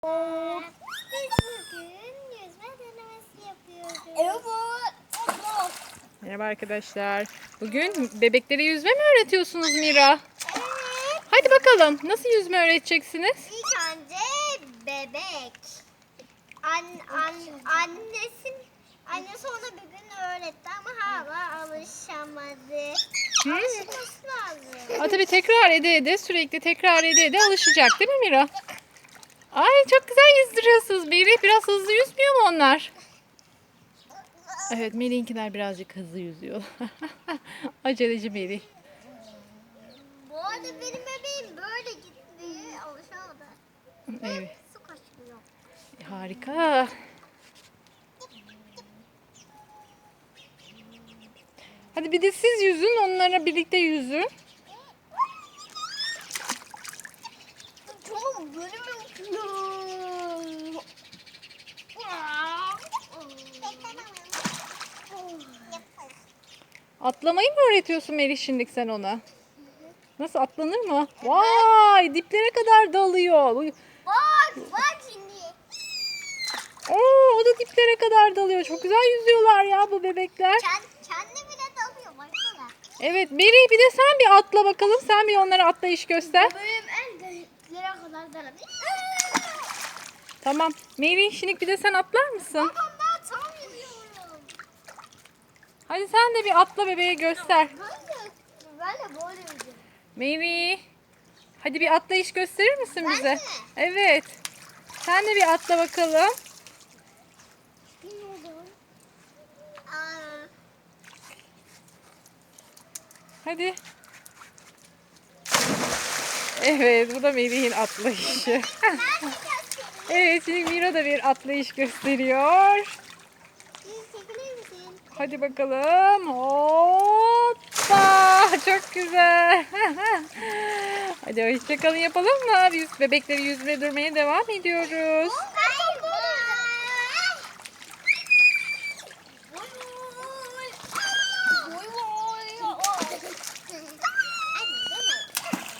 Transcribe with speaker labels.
Speaker 1: Biz bugün yüzme denemesi yapıyoruz. Evet.
Speaker 2: Merhaba arkadaşlar. Bugün bebeklere yüzme mi öğretiyorsunuz Mira?
Speaker 1: Evet.
Speaker 2: Hadi bakalım. Nasıl yüzme öğreteceksiniz?
Speaker 1: İlk önce bebek. Annesi ona bir gün öğretti ama hala alışamadı. Alışması lazım.
Speaker 2: Tabii tekrar ede sürekli tekrar ede alışacak değil mi Mira? Ay çok güzel yüzdürüyorsunuz Meri. Biraz hızlı yüzmüyor mu onlar? Evet, Meri'ninkiler birazcık hızlı yüzüyor. Aceleci Meri.
Speaker 1: Bu arada benim bebeğim böyle gitti. Alışamadı.
Speaker 2: Evet.
Speaker 1: Su kaçmıyor.
Speaker 2: Harika. Hadi bir de siz yüzün, onlara birlikte yüzün.
Speaker 1: Tamam böyle mi yapıyor?
Speaker 2: Atlamayı mı öğretiyorsun Meri şimdi sen ona? Nasıl, atlanır mı? Vay, diplere kadar dalıyor.
Speaker 1: Bak şimdi.
Speaker 2: Oo, o da diplere kadar dalıyor. Çok güzel yüzüyorlar ya bu bebekler.
Speaker 1: Kendi bile dalıyor baksana.
Speaker 2: Evet Meri, bir de sen bir atla bakalım. Sen bir onlara atlayış göster.
Speaker 1: Benim en deliklere kadar dalabilir.
Speaker 2: Tamam. Meri, şimdi bir de sen atlar mısın?
Speaker 1: Babam daha tam yüzüyorum.
Speaker 2: Hadi sen de bir atla bebeğe göster.
Speaker 1: Ben de böyle yüzüyorum.
Speaker 2: Meri. Hadi bir atlayış gösterir misin
Speaker 1: Ben
Speaker 2: bize?
Speaker 1: mi?
Speaker 2: Evet. Sen de bir atla bakalım.
Speaker 1: Bilmiyorum.
Speaker 2: Hadi. Evet, bu da Meri'nin atlayışı. Evet, şimdi Mira da bir atlayış gösteriyor.
Speaker 1: Çekilir misin?
Speaker 2: Hadi bakalım. Hoppa! Çok güzel. Hadi hoşçakalın yapalım mı? Biz bebekleri yüzmeye durmaya devam ediyoruz.
Speaker 1: Hayır.